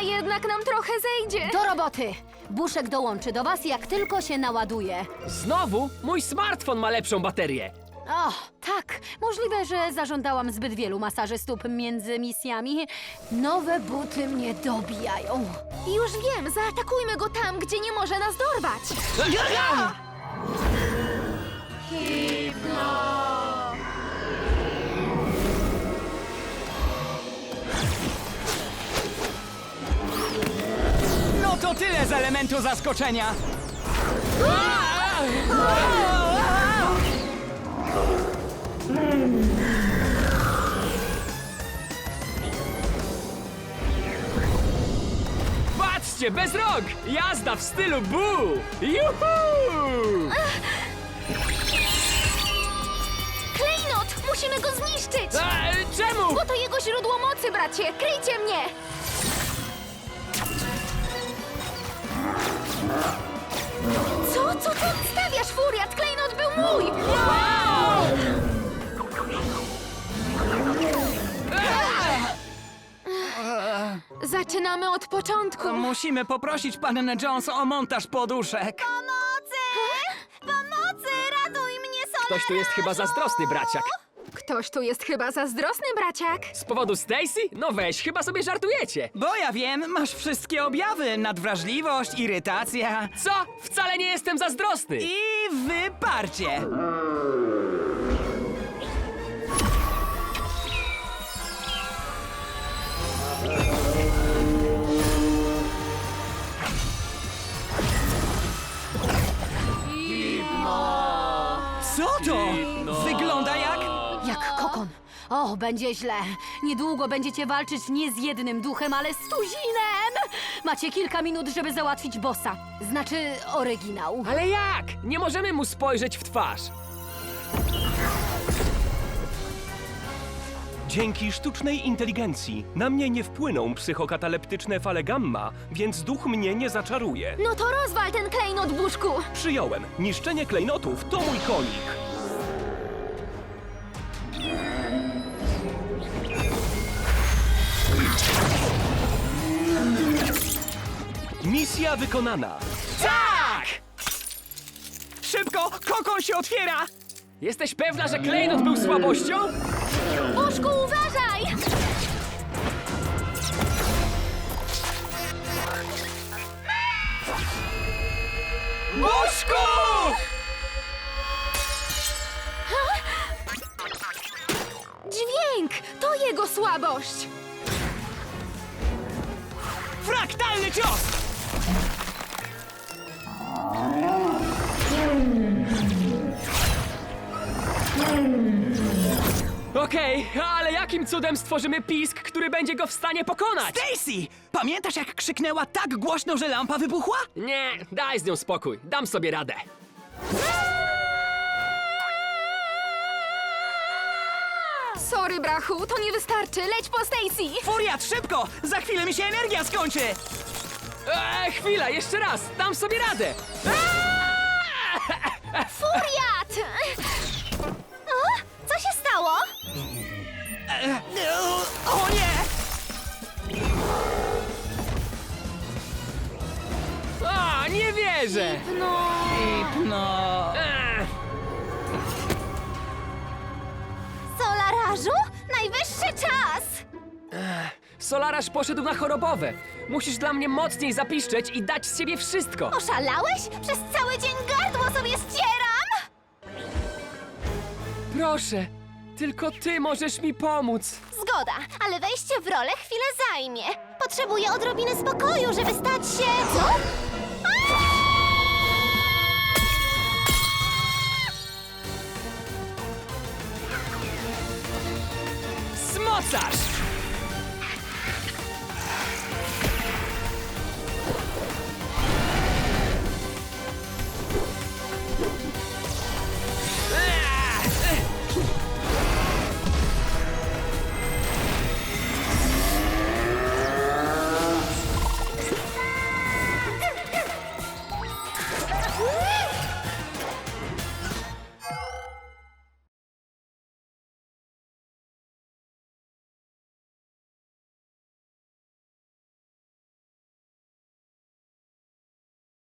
jednak nam trochę zejdzie. Do roboty! Buszek dołączy do was, jak tylko się naładuje. Znowu? Mój smartfon ma lepszą baterię. O, tak. Możliwe, że zażądałam zbyt wielu masaży stóp między misjami. Nowe buty mnie dobijają. Już wiem, zaatakujmy go tam, gdzie nie może nas dorwać. No to tyle z elementu zaskoczenia. Patrzcie, bez rąk! Jazda w stylu Boo! Juhu! Klejnot! Musimy go zniszczyć! Czemu? Bo to jego źródło mocy, bracie! Kryjcie mnie! Co ty odstawiasz, Furiat? Klejnot był mój! Zaczynamy od początku. Musimy poprosić pannę Jones o montaż poduszek. Pomocy! Ratuj mnie, Solar! Ktoś tu jest chyba zazdrosny, braciak. Ktoś tu jest chyba zazdrosny, braciak. Z powodu Stacy? No weź, chyba sobie żartujecie. Bo ja wiem, masz wszystkie objawy. Nadwrażliwość, irytacja Co? Wcale nie jestem zazdrosny. i wyparcie. Co to? Wygląda jak... Jak kokon. O, będzie źle. Niedługo będziecie walczyć nie z jednym duchem, ale z tuzinem. Macie kilka minut, żeby załatwić bossa. Znaczy, oryginał. Ale jak? Nie możemy mu spojrzeć w twarz. Dzięki sztucznej inteligencji na mnie nie wpłyną psychokataleptyczne fale gamma, więc duch mnie nie zaczaruje. No to rozwal ten klejnot, Buszku! Przyjąłem. Niszczenie klejnotów to mój konik. Misja wykonana. Tak! Szybko, kokon się otwiera! Jesteś pewna, że klejnot był słabością? Buszku, uważaj! Buszku! Dźwięk! To jego słabość! Fraktalny cios! Okej, ale jakim cudem stworzymy pisk, który będzie go w stanie pokonać? Stacy! Pamiętasz, jak krzyknęła tak głośno, że lampa wybuchła? Nie, daj z nią spokój. Dam sobie radę. Sorry, brachu, to nie wystarczy. Leć po Stacy! Furiat, szybko! Za chwilę mi się energia skończy! Chwila, jeszcze raz. Dam sobie radę. Furiat! O, co się stało? O nie! A, nie wierzę. No... Solarażu? Najwyższy czas! Solaraż poszedł na chorobowe. Musisz dla mnie mocniej zapiszczeć i dać z siebie wszystko. Oszalałeś? Przez cały dzień gardło sobie ścieram! Proszę, tylko ty możesz mi pomóc. Zgoda, ale wejście w rolę chwilę zajmie. Potrzebuję odrobiny spokoju, żeby stać się... Co? Smocarz!